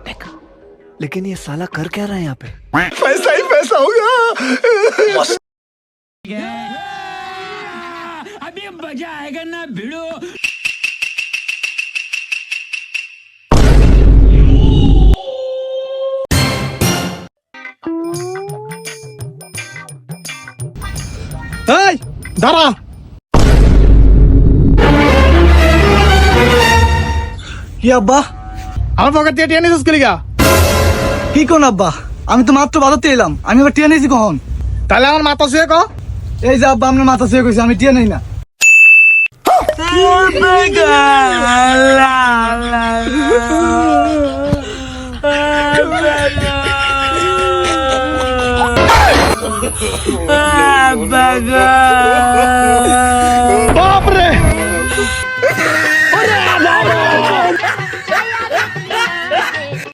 लेकिन ये साला कर क्या रहा है यहाँ पे? पैसा ही पैसा होगा। अभी मजा आएगा ना भिड़ो। এই দাঁড়া, কি আব্বা? আমার পকেট থেকে টিয়া নিছিস গা? কি কোন আব্বা? আমি তো মাত্র বাজাতে এলাম, আমি আবার টিয়া নিয়েছি কখন? তাহলে আমার মাথা শুয়ে ক। এই যে আব্বা আপনার মাথা ছুঁয়ে কইছে, আমি টিয়া নেই না।